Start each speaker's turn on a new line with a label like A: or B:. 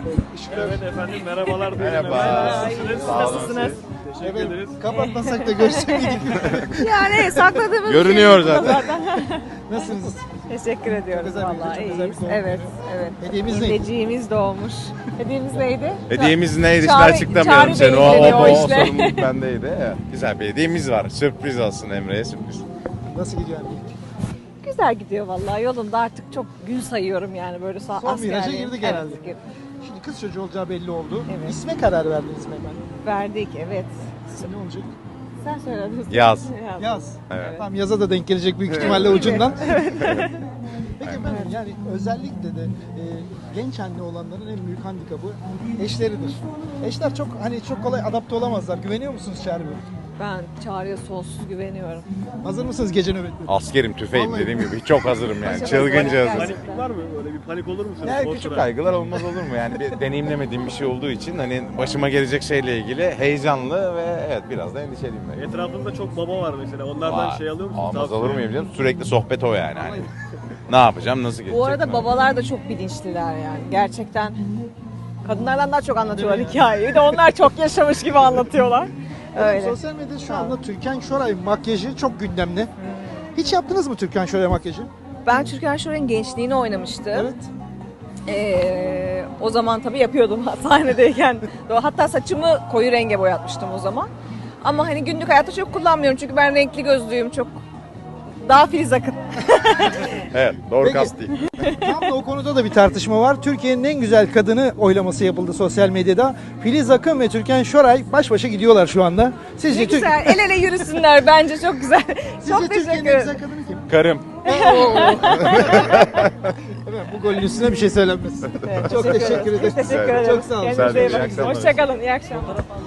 A: Evet efendim, merhabalar.
B: Merhaba.
A: Nasılsınız?
B: Sağ olun.
A: Nasılsınız? Teşekkür ederiz.
C: Kapatmasak da görsek miydik?
D: Yani sakladığımız
B: Görünüyor
D: şey bu
B: zaten.
C: Nasılsınız?
D: Teşekkür ediyoruz
C: güzel bir-
D: vallahi
C: çok güzel bir
D: iyiyiz.
C: doğum
D: Evet, evet.
C: Hediyemiz neydi?
D: Hediyemiz doğmuş. Hediyemiz neydi?
B: Hediyemiz neydi işte
D: Çağrı-
B: açıklamıyorum
D: Çağrı
B: seni.
D: Bey'in dedi o işte.
B: sorumluluk bendeydi. Evet. Güzel bir hediyemiz var. Sürpriz olsun Emre'ye sürpriz.
C: Nasıl gidiyor anne?
D: Güzel gidiyor vallahi. Yolunda artık çok gün sayıyorum yani böyle
C: Son
D: askerliğim.
C: viraja girdik herhalde.
D: Evet, girdik.
C: Şimdi kız çocuğu olacağı belli oldu.
D: Evet.
C: İsme karar verdiniz mi hemen?
D: Verdik, evet.
C: İsim ne olacak?
D: Sen söyledin.
B: Yaz.
C: Yaz.
B: Evet.
C: Tam yaza da denk gelecek büyük ihtimalle ucundan. Peki efendim yani özellikle de genç anne olanların en büyük handikapı eşleridir. Eşler çok kolay adapte olamazlar. Güveniyor musunuz Çağrı Bey?
D: Ben Çağrı'ya sonsuz güveniyorum.
C: Hazır mısınız gece nöbetleri?
B: Askerim, tüfeğim
C: Vallahi.
B: dediğim gibi çok hazırım yani.
C: Maşallah.
B: Çılgınca hazırım.
A: Panik var mı? Böyle bir panik olur musunuz?
B: Yani
A: O
B: küçük
A: sıra?
B: kaygılar olmaz olur mu? Yani bir deneyimlemediğim bir şey olduğu için hani başıma gelecek şeyle ilgili heyecanlı ve evet biraz da endişeliyim ben.
A: Etrafında çok baba var mesela. Onlardan
B: Vay,
A: şey alıyor musunuz?
B: Almaz
A: Tavsiye?
B: olur muyum canım? Sürekli sohbet o yani. Hani ne yapacağım, nasıl geçecek?
D: Bu arada
B: ne
D: babalar da çok bilinçliler yani. Gerçekten kadınlardan daha çok anlatıyorlar hikayeyi. Bir de onlar çok yaşamış gibi anlatıyorlar. Öyle.
C: Sosyal medyada şu anda Türkan Şoray makyajı çok gündemde. Hiç yaptınız mı Türkan Şoray makyajı?
D: Ben Türkan Şoray'ın gençliğini oynamıştım.
C: Evet.
D: O zaman tabii yapıyordum sahnedeyken. Hatta saçımı koyu renge boyatmıştım o zaman. Ama hani günlük hayatta çok kullanmıyorum çünkü ben renkli gözlüyüm çok. Daha Filiz Akın.
B: Evet, doğru
C: Peki.
B: kast değil.
C: Tam da o konuda da bir tartışma var. Türkiye'nin en güzel kadını oylaması yapıldı sosyal medyada. Filiz Akın ve Türkan Şoray baş başa gidiyorlar şu anda. Sizce,
D: Ne güzel el ele yürüsünler bence çok güzel. Çok
C: Sizce Türkiye'nin
D: teşekkür
C: en
D: ederim.
C: güzel kadını kim?
B: Karım.
C: Evet, bu golün üstüne bir şey söylenmez.
D: Evet,
C: Çok teşekkür ederim.
D: Teşekkür ederim.
C: Çok sağ olun.
D: Kendinize iyi
B: İyi
D: bakın.
B: akşamlar.
D: Hoşçakalın. İyi akşamlar.